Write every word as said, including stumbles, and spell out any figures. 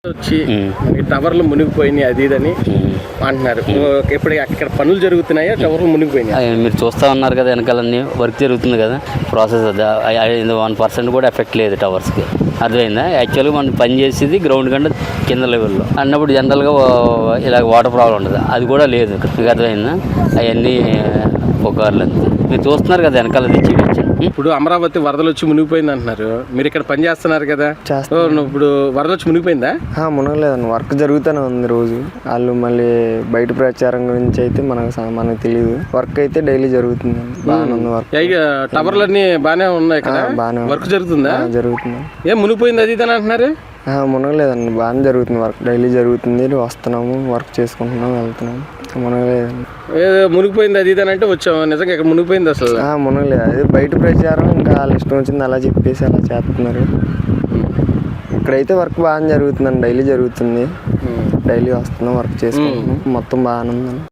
వచ్చి ఈ టవర్లు మునిగిపోయినాయి అది ఇదని అంటున్నారు. ఇప్పుడు అక్కడ పనులు జరుగుతున్నాయా, టవర్లు మునిగిపోయినాయి? మీరు చూస్తూ ఉన్నారు కదా, వెనకాలన్నీ వర్క్ జరుగుతుంది కదా, ప్రాసెస్ అది వన్ పర్సెంట్ కూడా ఎఫెక్ట్ లేదు టవర్స్కి. అర్థమైందా? యాక్చువల్గా మనం పని చేసేది గ్రౌండ్ కంటే కింద లెవెల్లో అన్నప్పుడు జనరల్గా ఇలా వాటర్ ప్రాబ్లం ఉండదు, అది కూడా లేదు. మీకు అర్థమైందా? అవన్నీ పుకార్లు అంతే. మీరు చూస్తున్నారు కదా వెనకాల తెచ్చి. ఇప్పుడు అమరావతి వరదలు వచ్చి మునిగిపోయింది అంటున్నారు, మీరు ఇక్కడ పని చేస్తున్నారు కదా, ఇప్పుడు వరద వచ్చి మునిగిపోయిందా? మునగలేదండి, వర్క్ జరుగుతూనే ఉంది రోజు. వాళ్ళు మళ్ళీ బయట ప్రచారం గురించి అయితే మనకు మనకు తెలియదు. వర్క్ అయితే డైలీ జరుగుతుంది, బాగానే ఉంది వర్క్. టవర్లు అన్ని బాగానే ఉన్నాయి కదా, బాగానే వర్క్ జరుగుతుందా? జరుగుతుంది. ఏం మునిగిపోయింది అది ఇదని అంటున్నారు? మునగలేదండి, బాగానే జరుగుతుంది వర్క్, డైలీ జరుగుతుంది. వస్తున్నాము, వర్క్ చేసుకుంటున్నాము, వెళ్తున్నాము. మునగలేదండి. ఏదో మునిగిపోయింది అది ఇదని అంటే వచ్చాము, నిజంగా ఇక్కడ మునిగిపోయింది అసలు? మునగలేదు, అదే బయట ప్రచారం, ఇంకా వాళ్ళ ఇష్టం వచ్చింది అలా చెప్పేసి అలా చేస్తున్నారు. ఇక్కడైతే వర్క్ బాగానే జరుగుతుందండి, డైలీ జరుగుతుంది. డైలీ వస్తున్నాం, వర్క్ చేసుకుంటున్నాం, మొత్తం బాగానే ఉందండి.